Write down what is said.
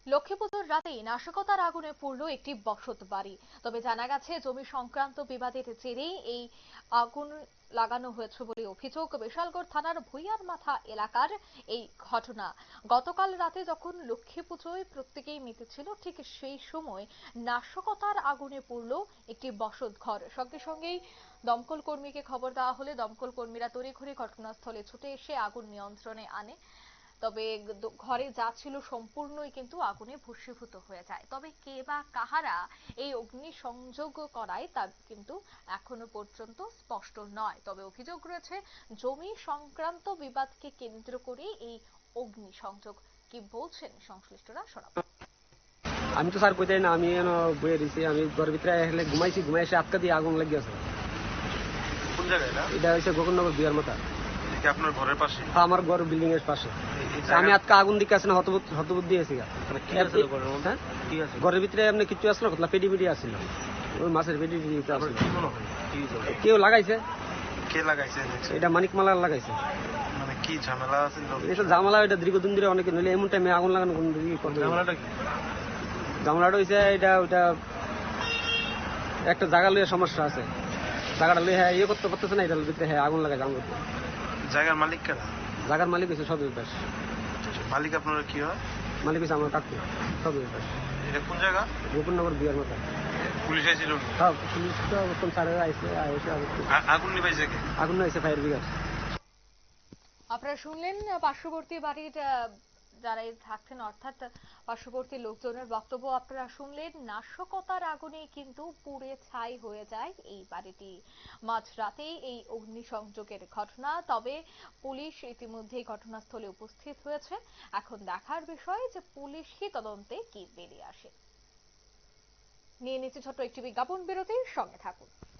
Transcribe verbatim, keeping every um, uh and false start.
লক্ষ্মী পুজোর রাতেই নাশকতার আগুনে পুড়ল একটি বসত বাড়ি। তবে জানা গেছে জমি সংক্রান্ত বিবাদের জেরেই এই আগুন লাগানো হয়েছে বলে অভিযোগ। বিশালগড় থানার ভুইয়ার মাথা এলাকার এই ঘটনা। গতকাল রাতে যখন লক্ষ্মী পুজোয় প্রত্যেকেই মেতেছিল, ঠিক সেই সময় নাশকতার আগুনে পুড়ল একটি বসত ঘর। সঙ্গে সঙ্গেই দমকল কর্মীকে খবর দেওয়া হলে দমকল কর্মীরা তড়িঘড়ি ঘটনাস্থলে ছুটে এসে আগুন নিয়ন্ত্রণে আনে। তবে ঘরে যা ছিল সম্পূর্ণই কিন্তু আগুনে ভস্মীভূত হয়ে যায়। তবে কে বা কাহারা এই অগ্নি সংযোগ করায় তা কিন্তু এখনো পর্যন্ত স্পষ্ট নয়। তবে অভিযোগ রয়েছে জমি সংক্রান্ত বিবাদকে কেন্দ্র করে এই অগ্নি সংযোগ। কি বলছেন সংশ্লিষ্টরা শোনাবো। আমি তো স্যার কইতাই না, আমি এনো বইয়ে দিছি। আমি ঘরের ভিতরে এসে ঘুমাইছি, ঘুমাই এসে আটকা দিয়ে আগুন লেগে গেছে। কোন জায়গায় এটা? এটা হচ্ছে গোকুলনগর বিয়ার মাথা। কি আপনার ঘরের পাশে? হ্যাঁ, আমার ঘর বিল্ডিং এর পাশে। আমি আটকা আগুন দিকে আসলে হতবুদ্ধ হতবুদ্ধ দিয়েছি। ঘরের ভিতরে এমনি কিছু আসলো, কতলা পেডি পেডি আসছিল, ওই মাছের পেডি কেউ লাগাইছে। কে লাগাইছে? এটা মানিক মালার লাগাইছে। মানে কি ঝামেলা আছে? এটা ঝামেলা, এটা দীর্ঘদিন ধরে অনেকে নইলে এমন টাইমে আগুন লাগানো কোন ঝামেলাটা কি? ঝামেলাটা হয়েছে এটা ওইটা একটা জায়গা লইয়া সমস্যা আছে। জায়গাটা লইয়া ইয়ে করতে পারতেছে না, এটার ভিতরে হ্যাঁ আগুন লাগাইছে। আগুন জায়গার মালিক কেনা? জায়গার মালিক হচ্ছে সদর দাস। মালিক আপনারা কি হয়? মালিক হচ্ছে আমার কাকু সদর দাস। এটা কোন জায়গা? গোকুলনগর বিয়ার মাথা। পুলিশ আইছিল? হ্যাঁ, পুলিশ তো অবস্থান স্যারেরা আইসে আইসে আগুন নিভাইছে কে? আগুন হয়েছে ফায়ার ব্রিগেড। আপনারা শুনলেন পার্শ্ববর্তী বাড়ির যারা থাকছেন, অর্থাৎ পার্শ্ববর্তী লোকজনের বক্তব্য আপনারা শুনলেন। নাশকতার আগুনে কিন্তু পুড়ে ছাই হয়ে যায় এই বাড়িটি। মাঝরাতেই এই অগ্নিসংযোগের ঘটনা। তবে পুলিশ ইতিমধ্যেই ঘটনাস্থলে উপস্থিত হয়েছে। এখন দেখার বিষয় যে পুলিশই তদন্তে কি বেরিয়ে আসে। নিয়ে নিচ্ছে ছোট্ট একটি বিজ্ঞাপন বিরতির সঙ্গে থাকুন।